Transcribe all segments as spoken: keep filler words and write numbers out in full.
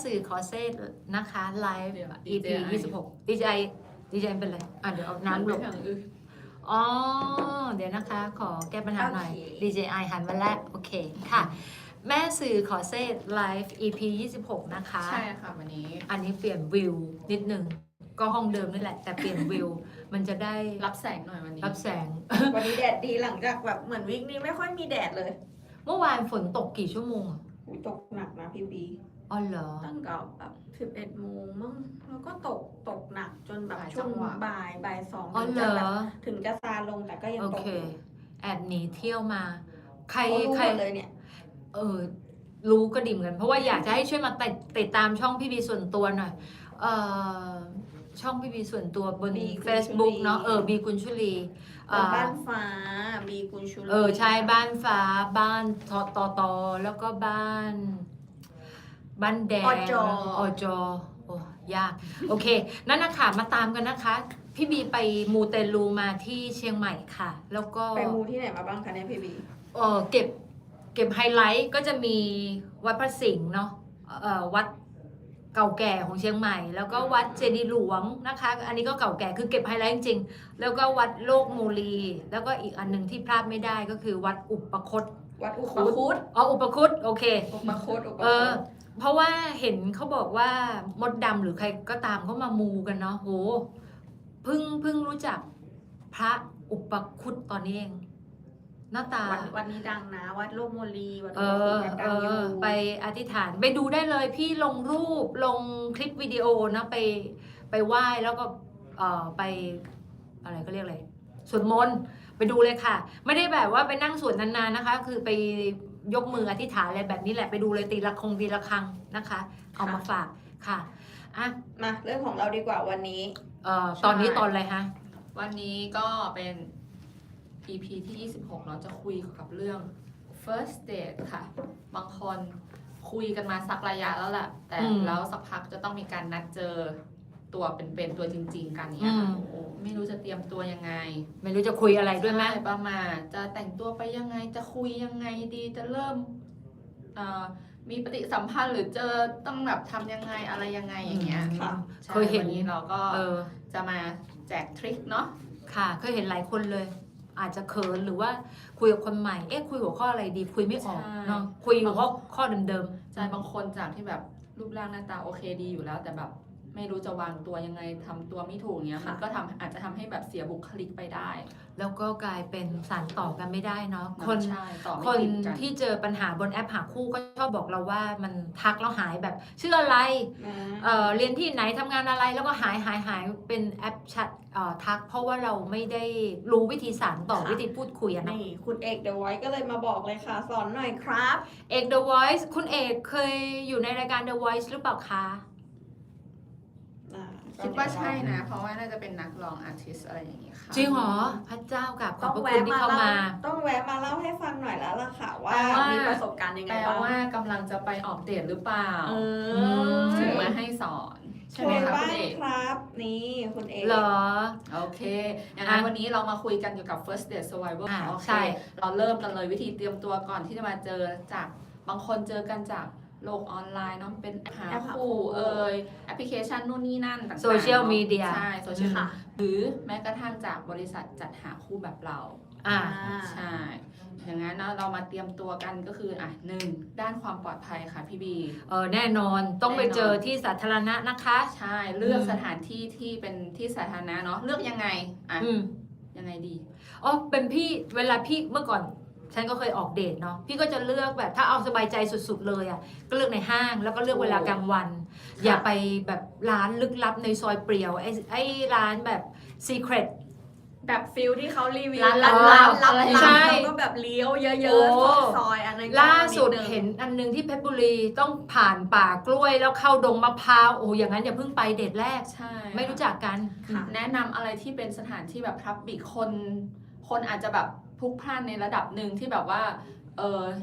สื่อขอเซตนะคะไลฟ์เดี๋ยวอี พี ยี่สิบหก ดีเจ ดีเจเป็นไรอ่ะเดี๋ยวเอาน้ำหลบ อ๋อ เดี๋ยวนะคะ ขอแก้ปัญหาหน่อย ดี เจ ไอ หันมาแล้วโอเคค่ะ แม่สื่อขอเซตไลฟ์ อี พี ยี่สิบหก นะคะใช่ค่ะวันนี้อันนี้เปลี่ยนวิวนิดนึง ก็ห้องเดิมนี่แหละ แต่เปลี่ยนวิว มันจะได้รับแสงหน่อยวันนี้รับแสงวันนี้แดดดีหลังจากแบบเหมือนวิกนี้ไม่ค่อยมีแดดเลยเมื่อวานฝนตกกี่ชั่วโมงอะอุ๊ยตกหนักนะพี่บีอ๋อเหรอตั้งแต่แบบสิบเอ็ดโมงมั้งแล้วก็ตกตกหนักจนแบบหลายช่วงจังหวะบ่ายบ่ายสองอ๋อถึงเหรจะอแบบถึงจะซาลงแต่ก็ยังโอตกเคอยู่แอบหนีเที่ยวมา ใครเขารู้ใครหมดเลยเนี่ยเออ รู้ก็ดีเหมือนกัน เพราะว่าอยากจะให้ช่วยมาติดติดตามช่องพี่บีส่วนตัวหน่อย เออช่องพี่บีส่วนตัวบนบีกุญชุลี Facebook เนาะ เออ บีกุญชุลีบนบ้านฟ้าบีกุญชุลีเออ ใช่ บ้านฟ้า บ้านทอตอตอแล้วก็บ้าน บ้านแดงอจออจอโอ้ยาก โอเค นั่นนะคะมาตามกันนะคะ พี่บีไปมูเตลูมาที่เชียงใหม่ค่ะ แล้วก็ไปมูที่ไหนมาบ้างคะเนี่ยพี่บีเออเก็บเก็บไฮไลท์ก็จะมีวัดพระสิงห์เนาะเอ่อวัดเก่าแก่ของเชียงใหม่ แล้วก็วัดเจดีย์หลวงนะคะ อันนี้ก็เก่าแก่คือเก็บไฮไลท์จริงๆแล้วก็วัดโลกโมลี แล้วก็อีกอันหนึงที่พลาดไม่ได้ก็คือวัดอุปคตวัดอุปคุตอ๋ออุปคุตโอเคอุปคุตอุปเอคุอตเพราะว่าเห็นเขาบอกว่ามดดำหรือใครก็ตามเขามามูกันเนาะโหเพิ่งเพิ่งรู้จักพระอุปคุตตอนนี้เอง หน้าตาวัดวัดนี้ดังนะ วัดโลกโมลีวัดเออุปคุอตวัดเอดังอยู่อ ไปอธิษฐานไปดูได้เลยพี่ลงรูปลงคลิปวิดีโอนะไปไปไหว้แล้วก็เออไปอะไรก็เรียกอะไรสวดมนต์ไปดูเลยค่ะ ไม่ได้แบบว่าไปนั่งสวดนานๆนะคะ คือไปยกมืออธิษฐานอะไรแบบนี้แหละไปดูเลยตีละคงตีละครังนะคะ เอามาฝากค่ะอ่ะมาเรื่องของเราดีกว่าวันนี้เอ่อตอนนี้ตอนอะไรฮะวันนี้ก็เป็น อี พี ที่ยี่สิบหกเราจะคุยกับเรื่อง first date ค่ะ บางคนคุยกันมาสักระยะแล้วแหละแต่อืมแล้วสักพักจะต้องมีการนัดเจอตัวเป็นๆตัวจริง ๆ กันเนี้ยอืมโอ้โหไม่รู้จะเตรียมตัวยังไงไม่รู้จะคุยอะไรด้วยไหมใช่ประมาณจะแต่งตัวไปยังไงจะคุยยังไงดีจะเริ่มเอ่อมีปฏิสัมพันธ์หรือเจอต้องแบบทำยังไงอะไรยังไงอย่างเงี้ยค่ะใช่เคยเห็นวันนี้เราก็เออจะมาแจกทริคเนาะค่ะเคยเห็นหลายคนเลย อาจจะเขินหรือว่าคุยกับคนใหม่ เอ๊ะคุยหัวข้ออะไรดี คุยไม่ออกเนาะคุยหัวข้อข้อเดิมๆใช่บางคนจากที่แบบรูปร่างหน้าตาโอเคดีอยู่แล้ว แต่แบบไม่รู้จะวางตัวยังไงทำตัวไม่ถูกเนี้ยค่ะมันก็ทำอาจจะทำให้แบบเสียบุคลิกไปได้แล้วก็กลายเป็นสารต่อกันไม่ได้เนาะคนใช่ต่อไม่คนติดกันที่เจอปัญหาบนแอปหาคู่ก็ชอบบอกเราว่ามันทักแล้วหายแบบชื่ออะไรนะเอ่อเรียนที่ไหนทำงานอะไรแล้วก็หายหายหายเป็นแอปแชทเอ่อทัก เพราะว่าเราไม่ได้รู้วิธีสารต่อวิธีพูดคุยอะเนาะนี่คุณเอกเดอะไวท์ก็เลยมาบอกเลยค่ะ สอนหน่อยครับเอก The Voice คุณเอกเคยอยู่ในรายการ The Voice หรือเปล่าคะอ่าคิดว่าใช่นะ เพราะว่าน่าจะเป็นนักร้องอาร์ติสอะไรอย่างงี้ค่ะจริงเหรอพระเจ้ากับขต้ออบ งพระแวะคุณที่มาเข้าเล่ามาต้องแวะมาเล่าให้ฟังหน่อยแล้วล่ะค่ะ ว่าแปลว่ามีมีประสบการณ์ยังไงแปลบ้างว่ากำลังจะไปออกเดทหรือเปล่าเอมถึงอมาให้สอน ใช่ช่ไหมวยคะบ้าคุณงเอกครับ นี่คุณเอกเหรอโอเค อย่างนั้นอ่ะวันนี้เรามาคุยกันเกี่ยวกับ first date survival อ่ะโอเคใช่เราเริ่มกันเลยวิธีเตรียมตัวก่อนที่จะมาเจอจากบางคนเจอกันจากโลกออนไลน์เนาะเป็นหาแอปหาคู่คู่เอ่ยแอปพลิเคชันนู่นนี่นั่นต่างๆโซเชียลเนอะมีเดียใช่โซเชียลค่ะหรือแม้กระทั่งจากบริษัทจัดหาคู่แบบเราอ่าใช่ อย่างนั้นเนาะเรามาเตรียมตัวกันก็คืออ่ะหนึ่งด้านความปลอดภัยค่ะพี่บีเออแน่นอนต้องไปแน่นอนเจอที่สาธารณะนะคะใช่เลือกอืมสถานที่ที่เป็นที่สาธารณะเนาะเลือกยังไงอ่ะอืมยังไงดีอ๋อเป็นพี่เวลาพี่เมื่อก่อน ฉันก็เคยออกเดทเนาะพี่ก็จะเลือกแบบถ้าเอาสบายใจสุดๆเลยอ่ะก็เลือกในห้างแล้วก็เลือกเวลากลางวัน อย่าไปแบบร้านลึกลับในซอยเปลี่ยวไอ้ไอ้ร้านแบบ secret แบบฟิลที่เขารีวิวร้านลับลัลับบ ๆลับอะไรลับใช่แล้วก็แบบเลี้ยวเยโอ้อะๆซอยๆอันนั้นก็ล่าสุดนินึงเห็นอันนึงที่เพชรบุรีต้องผ่านป่ากล้วยแล้วเข้าดงมะพร้าวโอ้อย่างนั้นอย่าเพิ่งไปเดทแรกใช่ไม่รู้จักกันค่ะแนะนำอะไรที่เป็นสถานที่แบบพับบิกคน คนอาจจะแบบพลุกพล่านในระดับหนึ่งที่แบบว่าเออ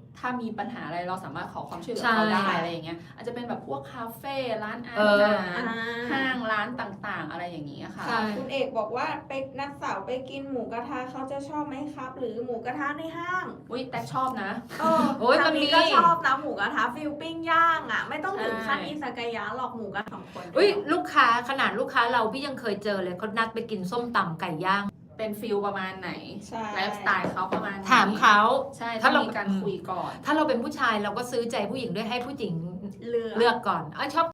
ถ้ามีปัญหาอะไรเราสามารถขอความช่วยเหลือใช่เขาได้อะไรอย่างเงี้ยอาจจะเป็นแบบพวกคาเฟ่ร้านอาเออหารห้างร้านต่างๆ อะไรอย่างนี้ค่ะใช่คุณเอกบอกว่าไปนัดสาวไปกินหมูกระทะเขาจะชอบไหมครับ หรือหมูกระทะในห้างอุ้ยแต่ชอบนะเออโอ้ยทางมันมีก็ชอบนะหมูกระทะฟิลปิ้งย่างอ่ะ ไม่ต้องถึงขั้นใช่อิซากายะหรอกหมูกระทะสองคนอุ้ยลูกค้าขนาดลูกค้าเราพี่ยังเคยเจอเลยเขานัดไปกินส้มตำไก่ย่างเป็นฟิลประมาณไหนใช่ไลฟ์สไตล์เขาประมาณไหนถามเขาใช่ถ้าถ้าเรามีการคุยก่อนถ้าเราเป็นผู้ชายเราก็ซื้อใจผู้หญิงด้วยให้ผู้หญิงเลือกเลือกก่อนอ่ะชอบ